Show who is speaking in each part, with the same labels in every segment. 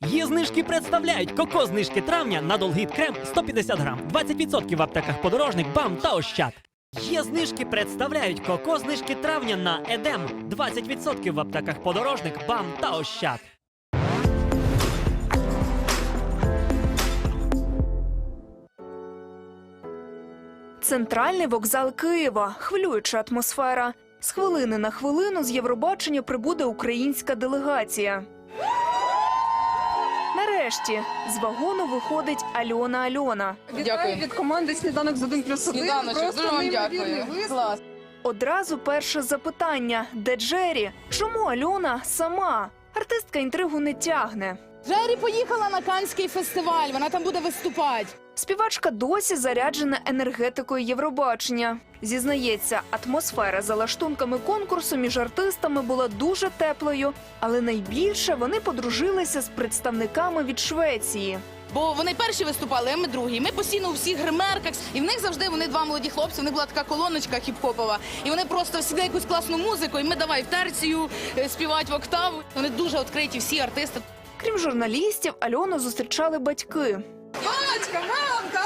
Speaker 1: Є знижки представляють коко-знижки травня на Долгіт крем 150 грам. 20% в аптеках Подорожник, БАМ та Ощад. Є знижки представляють коко-знижки травня на Едем. 20% в аптеках Подорожник, БАМ та Ощад.
Speaker 2: Центральний вокзал Києва. Хвилююча атмосфера. З хвилини на хвилину з Євробачення прибуде українська делегація. Нарешті з вагону виходить Альона.
Speaker 3: Дякую.
Speaker 4: Від команди «Сніданок з 1+1».
Speaker 3: Сніданочок, дуже вам дякую. Клас.
Speaker 2: Одразу перше запитання. Де Джері? Чому Альона сама? Артистка інтригу не тягне.
Speaker 3: Джері поїхала на Каннський фестиваль, вона там буде виступати.
Speaker 2: Співачка досі заряджена енергетикою Євробачення. Зізнається, атмосфера за лаштунками конкурсу між артистами була дуже теплою, але найбільше вони подружилися з представниками від Швеції.
Speaker 3: Бо вони перші виступали, а ми другі. Ми постійно у всіх гримерках, і в них завжди вони два молоді хлопці, в них була така колоночка хіп-хопова. І вони просто завжди якусь класну музику, і ми давай в терцію, співати в октаву. Вони дуже відкриті, всі артисти.
Speaker 2: Крім журналістів, Альону зустрічали батьки.
Speaker 3: Мамочка, мамка!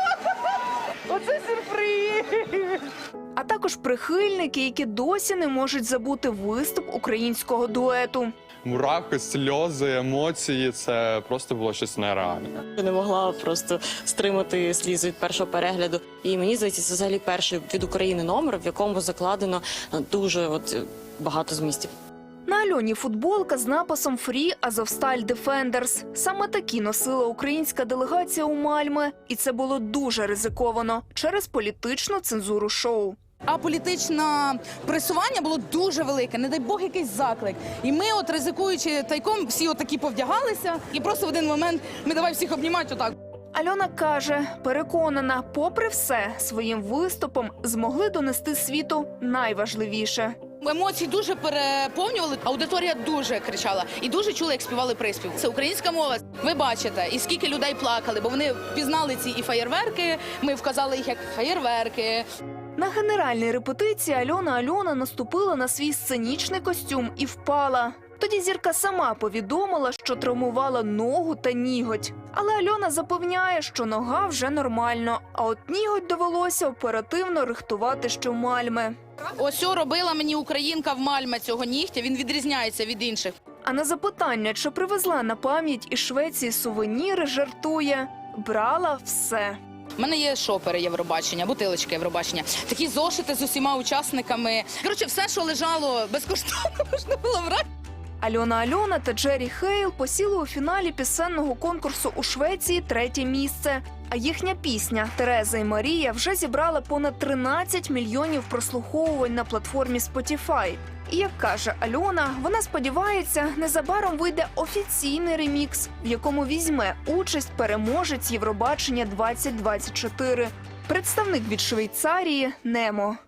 Speaker 3: Оце сюрприз!
Speaker 2: А також прихильники, які досі не можуть забути виступ українського дуету.
Speaker 5: Мурахи, сльози, емоції – це просто було щось нереальне.
Speaker 6: Я не могла просто стримати сліз від першого перегляду. І мені здається, це взагалі перший від України номер, в якому закладено дуже багато змістів.
Speaker 2: На Альоні футболка з написом «Free Azovstal Defenders». Саме такі носила українська делегація у Мальме. І це було дуже ризиковано через політичну цензуру шоу.
Speaker 3: А політичне пресування було дуже велике, не дай Бог якийсь заклик. І ми, ризикуючи тайком, всі такі повдягалися. І просто в один момент ми давай всіх обнімати отак.
Speaker 2: Альона каже, переконана, попри все, своїм виступом змогли донести світу найважливіше.
Speaker 3: Емоції дуже переповнювали, аудиторія дуже кричала і дуже чула, як співали приспів. Це українська мова. Ви бачите, і скільки людей плакали, бо вони впізнали ці і феєрверки, ми вказали їх як феєрверки.
Speaker 2: На генеральній репетиції Альона наступила на свій сценічний костюм і впала. Тоді зірка сама повідомила, що травмувала ногу та ніготь. Але Альона запевняє, що нога вже нормально, а от ніготь довелося оперативно рихтувати щомальми.
Speaker 3: Ось робила мені українка в Мальме цього нігтя, він відрізняється від інших.
Speaker 2: А на запитання, чи привезла на пам'ять із Швеції сувеніри, жартує – брала все.
Speaker 3: У мене є шопери Євробачення, бутилочки Євробачення, такі зошити з усіма учасниками. Коротше, все, що лежало безкоштовно, можна було брати.
Speaker 2: Альона та Джері Хейл посіли у фіналі пісенного конкурсу у Швеції 3-є місце. А їхня пісня «Тереза і Марія» вже зібрала понад 13 мільйонів прослуховувань на платформі Spotify. І, як каже Альона, вона сподівається, незабаром вийде офіційний ремікс, в якому візьме участь переможець Євробачення 2024. Представник від Швейцарії Немо.